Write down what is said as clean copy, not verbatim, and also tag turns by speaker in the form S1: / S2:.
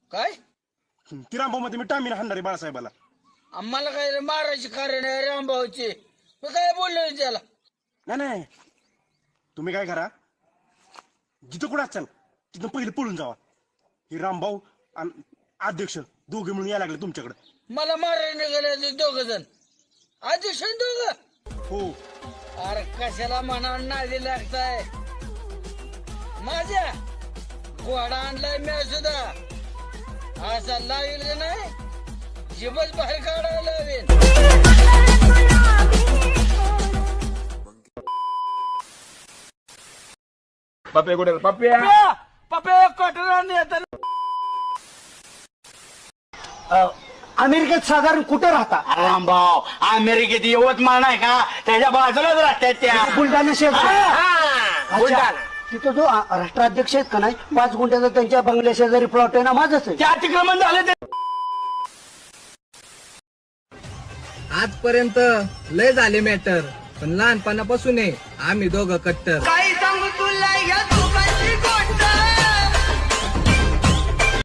S1: काय
S2: ती रामभाऊ मध्ये मी टामीन हाणणारे बाळासाहेबाला.
S1: आम्हाला काय रे मारायची कारण आहे रामभाऊची. मी काय बोललो रे त्याला?
S2: नाही तुम्ही काय करा, जिथं कुठं असाल तिथं पहिले पळून जावा. हे रामभाऊ आणि अध्यक्ष दोघे म्हणून यायला लागले तुमच्याकडे.
S1: मला मारायला निघाले दोघ जण. अध्यक्ष दोघ.
S2: हो
S1: अरे कशाला मनावर नादी लागताय? माझ्या घोडा आणलाय मी सुद्धा. असा लागेल का नाही जीवच बाहेर काढायला लावेन.
S3: पप्पे कुठे पप्प्या
S1: पप्पे कॉटन येतात.
S4: अमेरिकेत साधारण कुठे राहता?
S5: रामभाऊ अमेरिकेत यवतमाळ नाही का, त्याच्या बाजूलाच राहतात त्या.
S4: बुलढाणा शहर.
S5: बुलढाणा.
S4: तिथं जो राष्ट्राध्यक्ष आहेत का नाही, 5 गुंठ्याचा त्यांच्या बंगल्या शेजारी प्लॉट आहे ना, माझंच आहे.
S5: ते अतिक्रमण झालं ते.
S6: आजपर्यंत लय झाले मॅटर, पण लहानपणापासून आहे आम्ही दोघं कट्टर.
S5: काही सांगू तुला